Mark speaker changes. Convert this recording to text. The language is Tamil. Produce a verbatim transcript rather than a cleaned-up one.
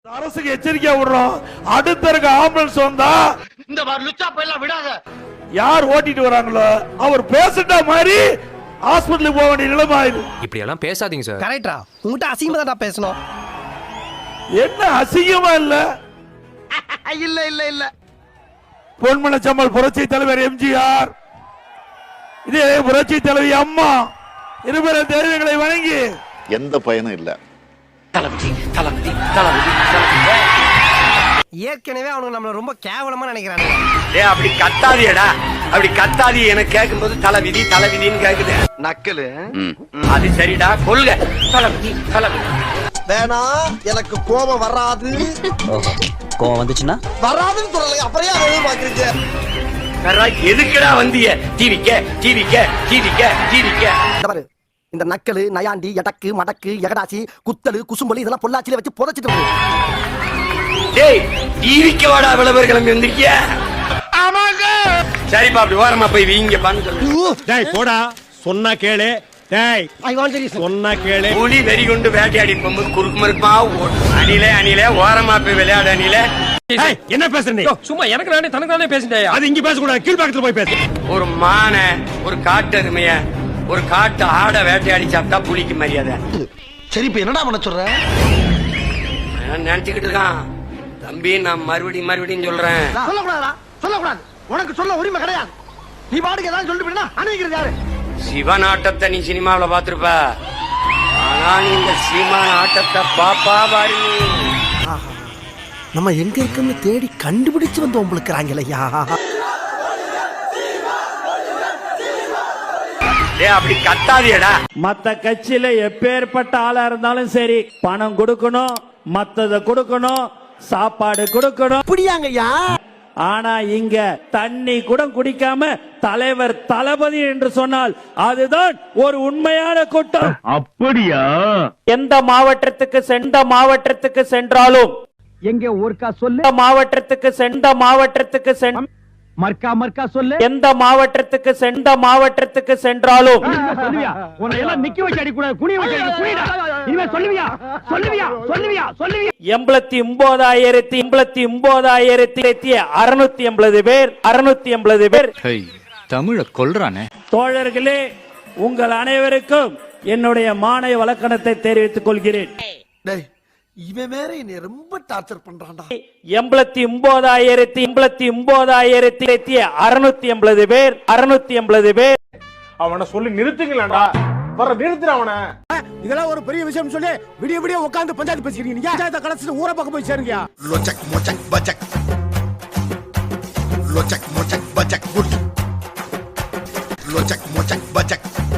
Speaker 1: அரசுக்கு எச்சரிக்கை விடுறோம். அடுத்த இருக்க ஆம்புலன்ஸ் வந்தா
Speaker 2: இந்த மாதிரி லுச்சா போயெல்லாம் விடாத.
Speaker 1: யார் ஓட்டிட்டு வராங்களோ அவர் பேசிட்ட மாதிரி ஹாஸ்பிடலுக்கு போக வேண்டிய நிலைமை ஆயிடுது.
Speaker 3: இப்படி எல்லாம் பேசாதீங்க சார்.
Speaker 4: கரெக்டா? உங்ககிட்ட அசிங்கமா தான் பேசணும்.
Speaker 1: என்ன அசிங்கமா இல்ல?
Speaker 2: இல்ல இல்ல இல்ல.
Speaker 1: பொன்மனச்சம்மல் புரட்சி தலைவர் எம்ஜிஆர், இதே புரட்சி தலைவி அம்மா இருவரும் தெய்வங்களை வணங்கி
Speaker 5: எந்த பயனும் இல்ல.
Speaker 2: தளபதி தளபதி தளபதி
Speaker 4: ஏற்கனவே அவனுக்கு நம்மள ரொம்ப கேவலமா நினைக்கிறானுங்க.
Speaker 2: ஏய் அப்படி கத்தாதியடா, அப்படி கத்தாதி. எனக்கு கேட்கும்போது தலைவிதி தலைவிதின்னு கேக்குது. நக்கலு அது சரிடா, கொல்க. தளபதி தளபதி
Speaker 6: வேணா, எனக்கு கோபம் வராது.
Speaker 7: கோவம் வந்துச்சுன்னா
Speaker 6: வராதுன்னு சொல்லல, அப்புறம் ஏன் அதை பாக்குறீங்க?
Speaker 2: எதுக்குடா வந்திய? டிவிக்க டிவிக்க டிவிக்க டிவிக்க
Speaker 6: பாரு, இந்த நக்கலு நயாண்டி எடக்கு மடக்கு எகடாசி குத்தலு குசும்பலு இதெல்லாம் பொள்ளாச்சியில வச்சு புதைச்சிட்டு
Speaker 2: டேய் டிவிக்க வாடா விளம்பரம் வந்திருக்கிய. ஆமாங்க. சரிப்பா, அப்படி ஓரமா போய் வீங்க பான்னு சொல்லு.
Speaker 8: டேய் போடா, சொன்னா கேளு. டேய்
Speaker 6: ஐ வாண்ட் தி
Speaker 8: சொன்னா கேளு.
Speaker 2: புலி வெறி கொண்டு வேட்டையாடி போகும்போது குறுக்கு மறுக்குமா ஓடும். அணிலே அணிலே ஓரமா போய் விளையாடு அணிலே.
Speaker 8: டேய் என்ன பேசுற நீ?
Speaker 3: சும்மா எனக்கு நானே தனக்கு நானே பேசிட்டேன்.
Speaker 8: அது இங்க பேச கூடாது, கீழ் பக்கத்துல போய் பேசு.
Speaker 2: ஒரு மானை, ஒரு காட்டு எருமைய, ஒரு காட்டு ஆட வேட்டையாடி சாப்பிட்டா புலிக்கு மரியாதை.
Speaker 6: சரி, இப்ப என்னடா பண்ண சொல்ற?
Speaker 2: நினைச்சுக்கிட்டு இருக்கான் தம்பி. நான் மறுபடியும் மறுபடியும் சொல்றேன்.
Speaker 6: சொல்லக்கூடாதா? சொல்லக்கூடாது. உனக்கு சொல்ல உரிமை கிடையாது. நீ பாட்டுக்கு ஏதாவது சொல்லிட்டு போயினா அணைக்கிறது யாரு?
Speaker 2: சிவன் ஆட்டத்தை நீ சினிமாவில பாத்துருப்ப, ஆனா நீ இந்த சீமான் ஆட்டத்தை பாப்பா பாரு.
Speaker 6: நம்ம எங்க இருக்குன்னு தேடி கண்டுபிடிச்சு வந்து உங்களுக்குறாங்களையா?
Speaker 2: அப்படி கத்தாதியடா.
Speaker 8: மத்த கட்சியில எப்பேற்பட்ட ஆளா இருந்தாலும் சரி, பணம் கொடுக்கணும், மத்தத கொடுக்கணும், சாப்பாடு கொடுக்கணும்.
Speaker 6: புடியாங்கய்யா.
Speaker 8: ஆனா இங்க தண்ணி கூட குடிக்காம தலைவர் தளபதி என்று சொன்னால் அதுதான் ஒரு உண்மையான கூட்டம். அப்படியா? எந்த மாவட்டத்துக்கு சென்ற மாவட்டத்துக்கு சென்றாலும்
Speaker 9: எங்க ஊர்க்கா சொல்லு.
Speaker 8: மாவட்டத்துக்கு சென்ற மாவட்டத்துக்கு சென்
Speaker 9: மர்க்கா மர்க்கா சொல்லு.
Speaker 8: எந்த மாவட்டத்துக்கு சென்ற மாவட்டத்துக்கு சென்றாலும்
Speaker 9: சொல்லுவியா? உன்னை எல்லாம் நிக்க வச்சு அடி கூடாது, குனிய வச்சு அடி. குனிடா. இனிமே சொல்லுவியா? சொல்லுவியா? சொல்லுவியா? சொல்லுவியா?
Speaker 8: எண்பத்தி ஒன்பதாயிரத்தி எண்பத்தி ஒன்பதாயிரத்தி அறுநூத்தி எண்பது பேர் அறுநூத்தி எண்பது பேர்
Speaker 3: தமிழ கொல்றானே.
Speaker 8: தோழர்களே, உங்கள் அனைவருக்கும் என்னுடைய மாலை வழக்கணத்தை தெரிவித்துக் கொள்கிறேன்.
Speaker 6: டேய், இவன் வேற என்னை ரொம்ப டார்ச்சர் பண்றான்டா.
Speaker 8: எண்பத்தி ஒன்பதாயிரத்தி எண்பத்தி ஒன்பதாயிரத்தி அறுநூத்தி எண்பது பேர் அறுநூத்தி எண்பது பேர்.
Speaker 1: அவனை சொல்லி நிறுத்துங்களா? வர நிறுத்துற அவனை.
Speaker 9: இதெல்லாம் ஒரு பெரிய விஷயம் சொல்லி விடிய விடிய உட்கார்ந்து பஞ்சாயத்து பேசிக்கிறீங்க. நீங்க பஞ்சாயத்தை கடைசிட்டு ஊரை பக்கம் போய் சேருங்க.
Speaker 5: லொச்சக் மொச்சக் பச்சக் லொச்சக் மொச்சக் பச்சக் குட் லொச்சக் மொச்சக் பச்சக்